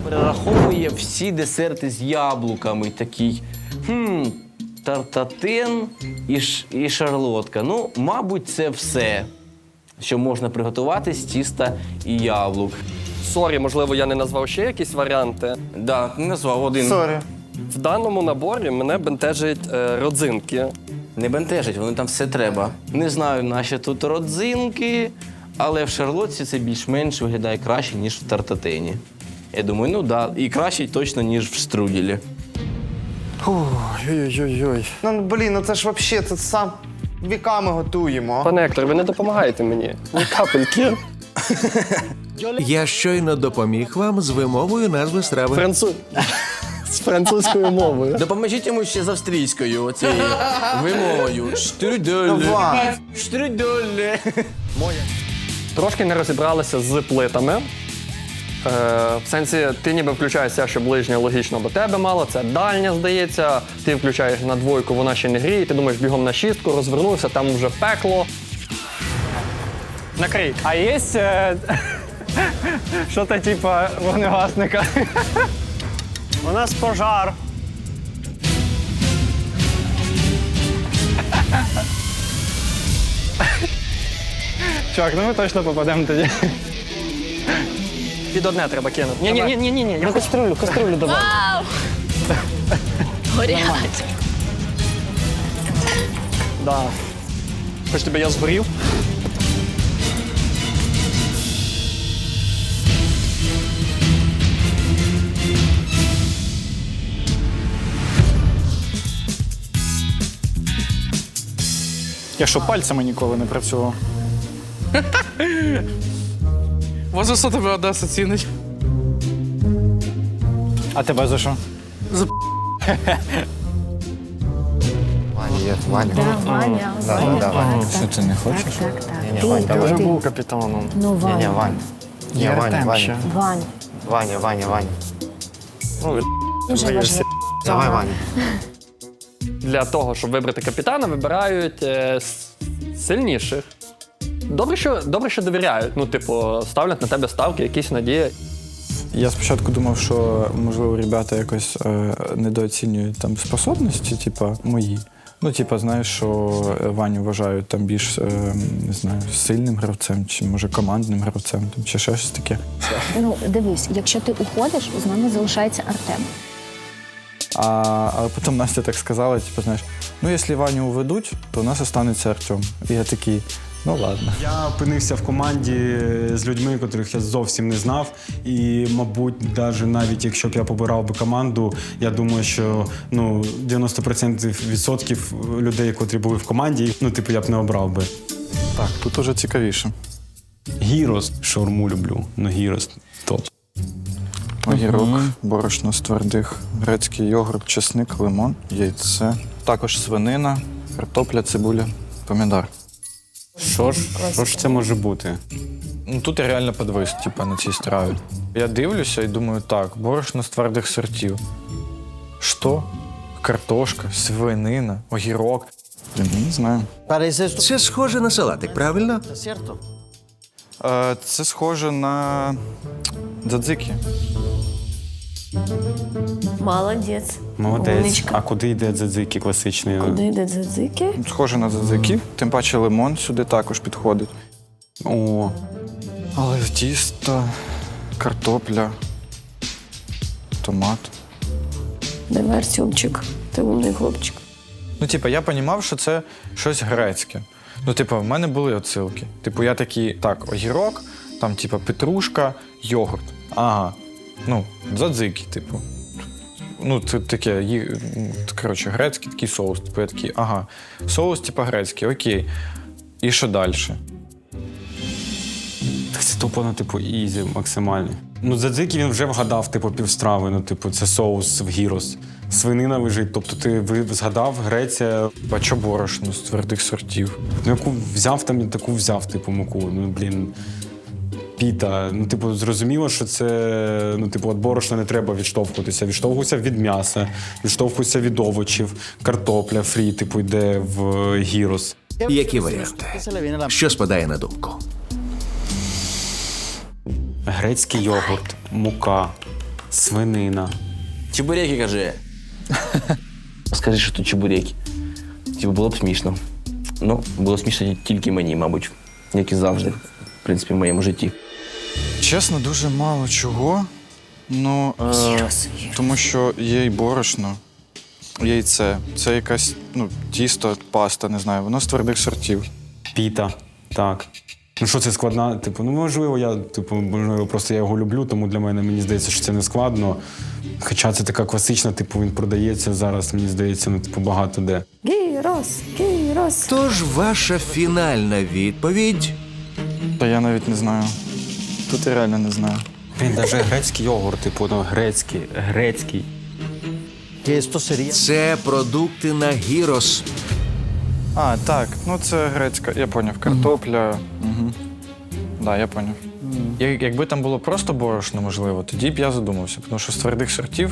перераховує всі десерти з яблуками. Такий, тартатин і шарлотка. Ну, мабуть, це все, що можна приготувати з тіста і яблук. Сорі, можливо, я не назвав ще якісь варіанти. Да, не назвав один. Сорі. В даному наборі мене бентежать родзинки. Не бентежить, вони там все треба. Не знаю, наші тут родзинки, але в шарлотці це більш-менш виглядає краще, ніж в тартатині. Я думаю, ну да, і краще точно, ніж в штруделі. Ой-ой-ой. Ну, блін, ну це ж взагалі, це сам віками готуємо. Пане Ектор, ви не допомагаєте мені. Ні капельки. Я щойно допоміг вам з вимовою назви страви. З французькою мовою. Допоможіть йому ще з австрійською, оцією вимовою. Штрудель. Давай. Штрудель. Трошки не розібралися з плитами. В сенсі, ти ніби включаєшся, що ближня логічно до тебе мало, це дальня, здається. Ти включаєш на двойку, вона ще не гріє, ти думаєш бігом на шістку, розвернувся, там вже пекло. Накрий. А є що-то типа вогнегасника? У нас пожар. Чувак, ну ми точно попадемо тоді. Під одне треба кинути. Ні, я каструлю давай. Вау! Горять. Да. Хоч тебе я згорів. Я що, пальцями ніколи не працював? Може, що тебе Одеса цінить? А тебе за що? Ваня. Ваня. Що ти не хочеш? Так. Я вже був капітаном. Ну, Ваня. Вань. Ваня. Ваня. Дуже важливо. Давай, Ваня. Для того, щоб вибрати капітана, вибирають сильніших. Добре, що довіряють. Ну, типу, ставлять на тебе ставки, якісь надії. Я спочатку думав, що, можливо, ребята якось недооцінюють там способності, типа, мої. Ну, типа, знаєш, що Ваню вважають там більш, не знаю, сильним гравцем, чи, може, командним гравцем, там, чи ще щось таке. Ну, дивись, якщо ти уходиш, з нами залишається Артем. Але потім Настя так сказала, типу, знаєш, ну, якщо Ваню уведуть, то у нас останеться Артем. І я такий, ну, ладно. Я опинився в команді з людьми, котрих я зовсім не знав. І, мабуть, навіть якщо б я побирав би команду, я думаю, що 90% людей, котрі були в команді, я б не обрав би. Так, тут уже цікавіше. Гірос, шаурму люблю, гірос топ. Огірок, борошно з твердих, грецький йогурт, чесник, лимон, яйце. Також свинина, картопля, цибуля, помідор. Що ж це може бути? Ну, тут я реально підвис, на цій страві. Я дивлюся і думаю, так, борошно з твердих сортів. Що? Картошка, свинина, огірок. Я не знаю. Це схоже на салатик, правильно? Це схоже на дзадзики. Молодець. Молодець. Умничка. А куди йде дзадзики класичний? Куди йде дзадзики? Схоже на дзадзики, тим паче лимон сюди також підходить. О, Але тісто, картопля, томат. Давай, Артемчик, ти умний хлопчик. Ну, я розумів, що це щось грецьке. Ну, в мене були отсилки. Я такий, так, огірок, там, петрушка, йогурт. Ага. Ну, дзадзики, Ну, це таке, коротше, грецький такий соус. Я такий, ага, соус, грецький, окей. І що далі? так це тупо, ізі максимально. Дзадзики він вже вгадав, півстрави, це соус в гірос. Свинина лежить, тобто ти згадав, Греція. А чо борошно з твердих сортів? Яку взяв, там таку взяв, муку. Піта. Зрозуміло, що це, від борошна не треба відштовхуватися. Відштовхуйся від м'яса, відштовхуйся від овочів, картопля, фрі, йде в гірос. Які варіанти? Що спадає на думку? Грецький йогурт, мука, Свинина. Чебуреки, кажи. Скажи, що тут чебуреки. Типу, було б смішно. Ну, було смішно тільки мені, мабуть, як і завжди, в принципі, в моєму житті. Чесно, дуже мало чого. Ну, тому що є й борошно, яйце. Це якась, тісто, паста, не знаю, воно з твердих сортів. Піта. Так. Ну що це складна? Типу, можливо, просто я його люблю, тому для мене мені здається, що це не складно. Хоча це така класична, він продається зараз, мені здається, багато де. Гірос. Тож ваша фінальна відповідь. Та я навіть не знаю. Тут я реально не знаю. Він навіть грецький йогурт, грецький. Це продукти на гірос. А, так, це грецька, я поняв, картопля. Угу. Да, я поняв. Якби там було просто борошно, можливо, тоді б я задумався, тому що з твердих сортів.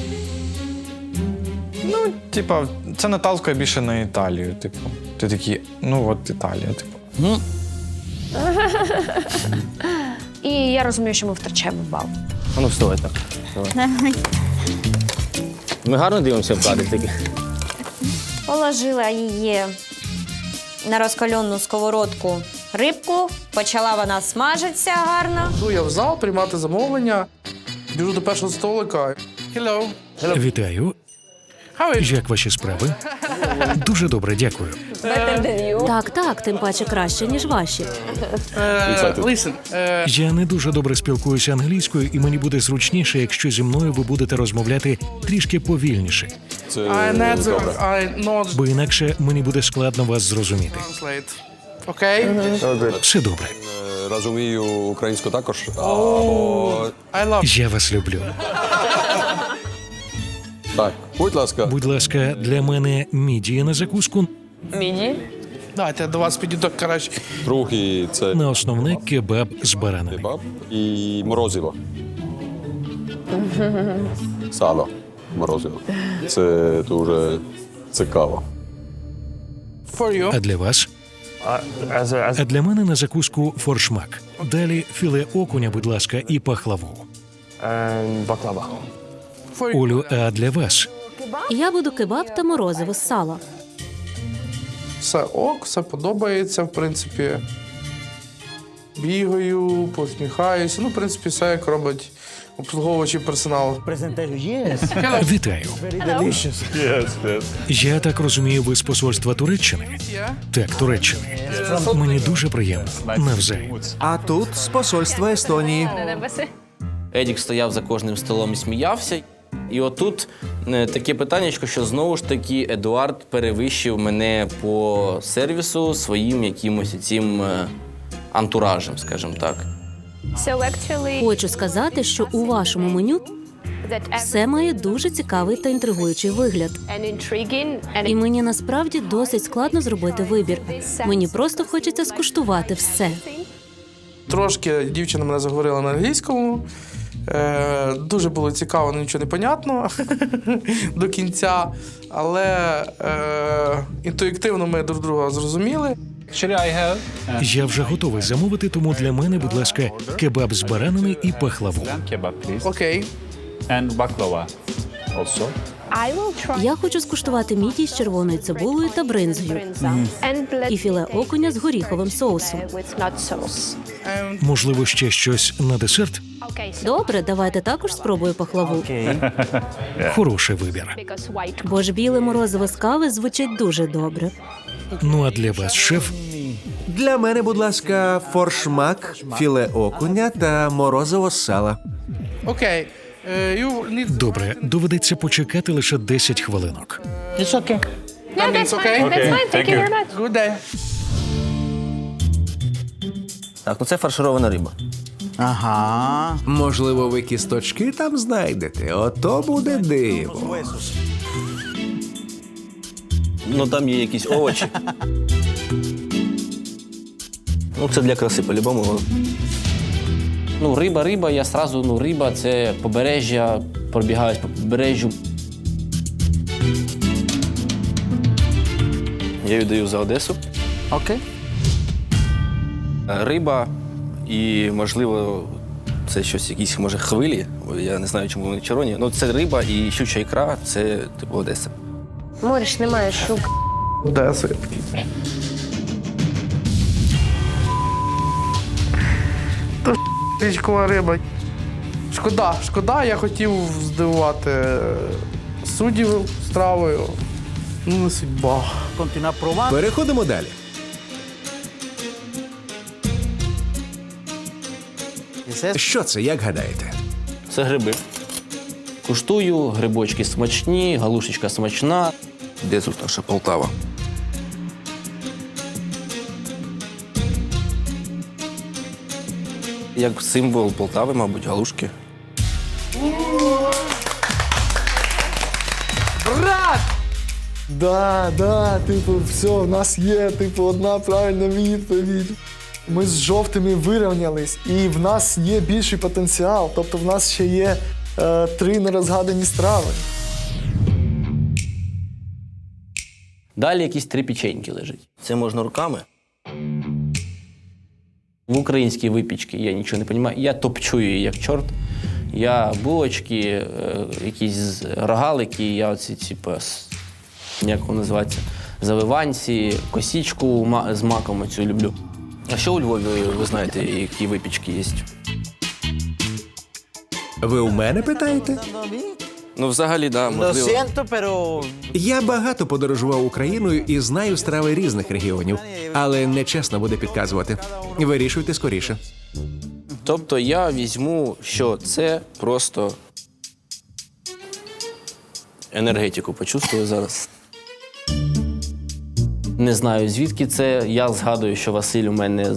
Це наталкує більше на Італію, Ти такий, Італія, І я розумію, що ми втрачаємо бал. Ну, вставай так. Ми гарно дивимося в кадр таки. Положила її на розкалену сковородку рибку, почала вона смажитися гарно. Йду я в зал приймати замовлення, біжу до першого столика. Hello. Вітаю. How are you? Як ваші справи? Дуже добре, дякую. Так, тим паче краще, ніж ваші. Listen, Я не дуже добре спілкуюся англійською, і мені буде зручніше, якщо зі мною ви будете розмовляти трішки повільніше, I not бо інакше мені буде складно вас зрозуміти. translate. Окей? Все добре. Розумію українську також. I love. Я вас люблю. Так, будь ласка. Будь ласка, для мене мідії на закуску, Дайте я до вас підійду краще. Другий це на основне кебаб з баранами. кебаб і морозиво. Сало. Морозиво. Це дуже цікаво. For you. А для вас? А для мене на закуску форшмак. Далі філе окуня, будь ласка, і пахлаву. Баклава. For you. Олю, а для вас? Я буду кебаб та морозиво з сала. Все ок, все подобається, в принципі. Бігаю, посміхаюся. В принципі, все як робить обслуговуючий персонал. Вітаю. Я так розумію, ви з посольства Туреччини? Так, Туреччини. Мені дуже приємно. Навзаєм. А тут з посольства Естонії. Едік стояв за кожним столом і сміявся. І отут таке питання, що знову ж таки Едуард перевищив мене по сервісу своїм якимось цим антуражем, скажімо так. Хочу сказати, що у вашому меню все має дуже цікавий та інтригуючий вигляд. І мені насправді досить складно зробити вибір. Мені просто хочеться скуштувати все. Трошки дівчина мене заговорила на англійському. Дуже було цікаво, але нічого не понятно до кінця. Але інтуїтивно ми друг друга зрозуміли. Я вже готовий замовити, тому для мене, будь ласка, кебаб з баранами і пахлаву. Окей. Я хочу скуштувати мідії з червоною цибулею та бринзою. І філе окуня з горіховим соусом. Можливо, ще щось на десерт? Добре, давайте також спробую пахлаву. Хороший вибір. Бо ж біле морозиво з кави звучить дуже добре. Ну а для вас, шеф? Для мене, будь ласка, форшмак, філе окуня та морозиво з сала. Окей. Добре, доведеться почекати лише 10 хвилинок. That means okay? Good day. Так, це фарширована риба. Ага. Можливо, ви кісточки там знайдете. Ото буде диво. Там є якісь овочі. Це для краси по-любому. Риба, я сразу, риба – це побережжя, пробігаюсь по побережжю. Я віддаю за Одесу. Окей. Риба і, можливо, це щось, якісь, може, хвилі. Я не знаю, чому вони червоні. Ну, це риба і щуча ікра, це типу Одеса. Море ж немає щук. Одеса я такий. Та річкова риба. Шкода, я хотів здивувати суддів стравою. Ну, не судьба. Переходимо далі. Що це, як гадаєте? Це гриби. Куштую, грибочки смачні, галушечка смачна. Де тут наша Полтава? Як символ Полтави, мабуть, галушки. Да, типу, все, в нас є, типу, одна правильна відповідь. Ми з жовтими вирівнялись, і в нас є більший потенціал. Тобто в нас ще є 3 нерозгадані страви. Далі якісь 3 печеньки лежать. Це можна руками. В українській випічці я нічого не розумію. Я топчу її як чорт. Я булочки, якісь рогалики, я оці, типу, як воно називається, завиванці, косічку з маком оцю люблю. А що у Львові, ви знаєте, які випічки є? Ви у мене питаєте? Ну, взагалі, так, да, можливо. Я багато подорожував Україною і знаю страви різних регіонів, але нечесно буде підказувати. Вирішуйте скоріше. Тобто я візьму, що це просто енергетику почувствую зараз. Не знаю, звідки це. Я згадую, що Василь у мене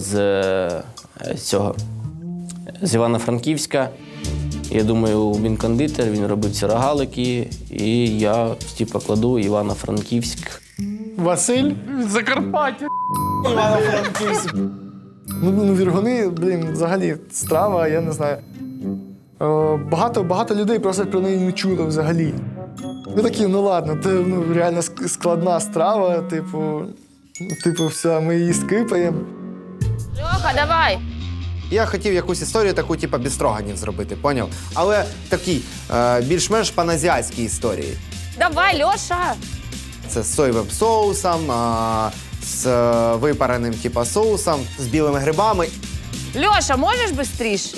з Івано-Франківська. Я думаю, він кондитер, він робив ці рогалики, і я, типу, кладу Івано-Франківськ. Василь? Закарпаття. Івано-Франківськ. Ну, віргуни, взагалі, страва, я не знаю. Багато людей просто про неї не чуло взагалі. Ну такі, ну ладно, це реально складна страва, типу, все, ми її скипаємо. Льоха, давай! Я хотів якусь історію таку, типу, бістроганів зробити, поняв? Але такий, більш-менш паназіатській історії. Давай, Льоша! Це з соєвим соусом, з випареним, типу, соусом, з білими грибами. Льоша, можеш швидше?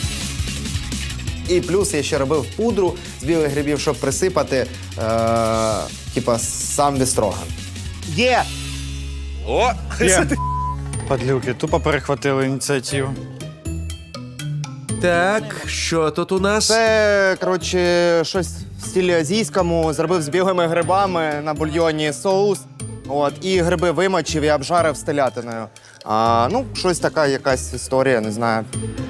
І плюс я ще робив пудру з білих грибів, щоб присипати, типа, сам бістроган. Є! О! Падлюки, тупо перехватили ініціативу. Так, що тут у нас? Це, коротше, щось в стилі азійському. Зробив з білими грибами на бульйоні соус. От, і гриби вимочив і обжарив з телятиною. Ну, щось така якась історія, не знаю.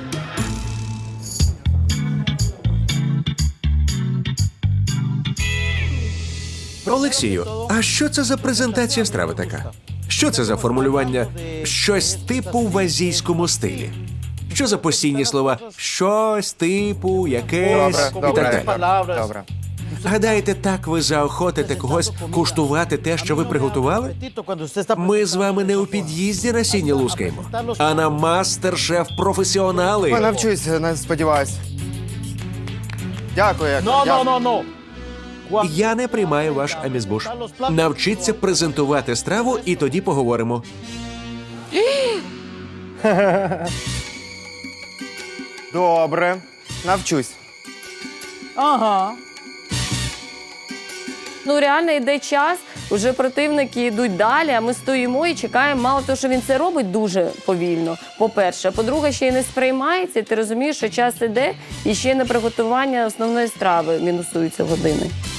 Олексію, а що це за презентація страви така? Що це за формулювання «щось типу в азійському стилі»? Що за постійні слова «щось типу», «якесь» і так далі? Добре. Гадаєте, так ви заохотите когось куштувати те, що ви приготували? Ми з вами не у під'їзді на сіні лускаємо, а на мастер-шеф-професіонали. Я навчусь, сподіваюсь. Дякую. Я не приймаю ваш амізбуш. Навчіться презентувати страву, і тоді поговоримо. Добре, навчусь. Ну, реально йде час, вже противники йдуть далі, а ми стоїмо і чекаємо. Мало того, що він це робить дуже повільно, по-перше. По-друге, ще й не сприймається, і ти розумієш, що час іде, і ще й на приготування основної страви мінусуються години.